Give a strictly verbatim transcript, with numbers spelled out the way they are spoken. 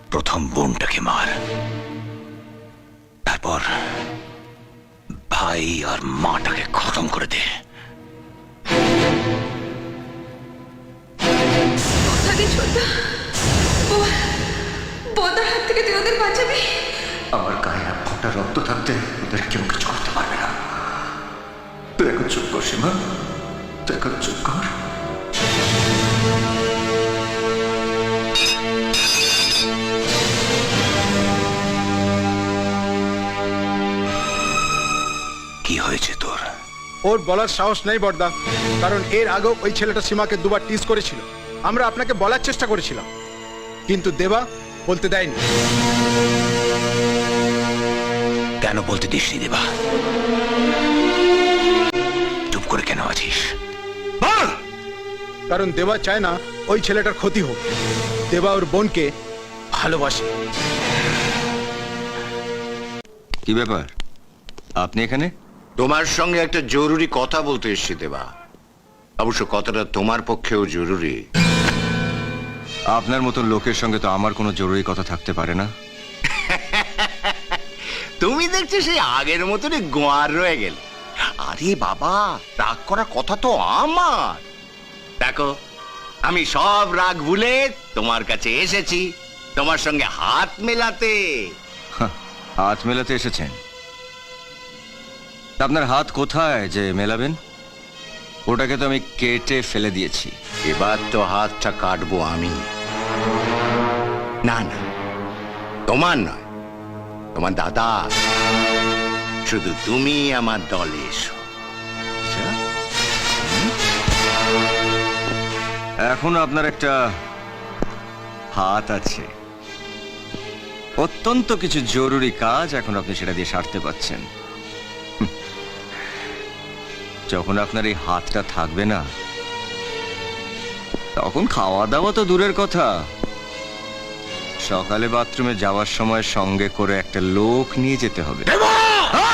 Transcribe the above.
প্রথম বোনটাকে মার, তারপর ভাই আর মাটাকে খতম করে দে। বোদার হাত থেকে তুই ওদের বাঁচাবি। আমার গায়ে এক ফোঁটা রক্ত থাকতে ওদের কেউ কিছু করতে পারবে না। তুই এখন চুপ কর সীমা, তুই এখন চুপ কর। কি হয়েছে তোর? ওর বলার সাহস নেই বড়দা, কারণ এর আগেও ওই ছেলেটা সীমাকে দুবার টিজ করেছিল। আমরা আপনাকে বলার চেষ্টা করেছিলাম, কিন্তু দেবা বলতে দেয়নি। কেন বলতে দিসনি দেবা? চুপ করে কেন আছিস? বল। কারণ দেবা চায় না ওই ছেলেটার ক্ষতি হোক। দেবা ওর বোনকে ভালোবাসে। কি ব্যাপার, আপনি এখানে? তোমার সঙ্গে একটা জরুরি কথা বলতে এসেছি দেবা। অবশ্য কথাটা তোমার পক্ষেও জরুরি। আপনার মতো লোকের সঙ্গে তো আমার কোনো জরুরি কথা থাকতে পারে না। তুমি দেখছি সেই আগের মতনই গোয়ার রয়ে গেলে। আরে বাবা, রাগ করার কথা তো আমার। দেখো, আমি সব রাগ ভুলে তোমার কাছে এসেছি তোমার সঙ্গে হাত মেলাতে। হাহ, হাত মেলাতে এসেছেন? আপনার হাত কোথায় যে মেলাবেন? ওটাকে তো আমি কেটে ফেলে দিয়েছি। এবার তো হাতটা কাটবো আমি। না না, তোমার নয়, তোমার দাদা। শুধু তুমি আমার দলে এসো। আচ্ছা? হুম? এখন আপনার একটা হাত আছে, অত্যন্ত কিছু জরুরি কাজ এখন আপনি সেটা দিয়ে সারতে পারছেন। হুম। যখন আপনার এই হাতটা থাকবে না, তখন খাওয়া দাওয়া তো দূরের কথা, সকালে বাথরুমে যাওয়ার সময় সঙ্গে করে একটা লোক নিয়ে যেতে হবে।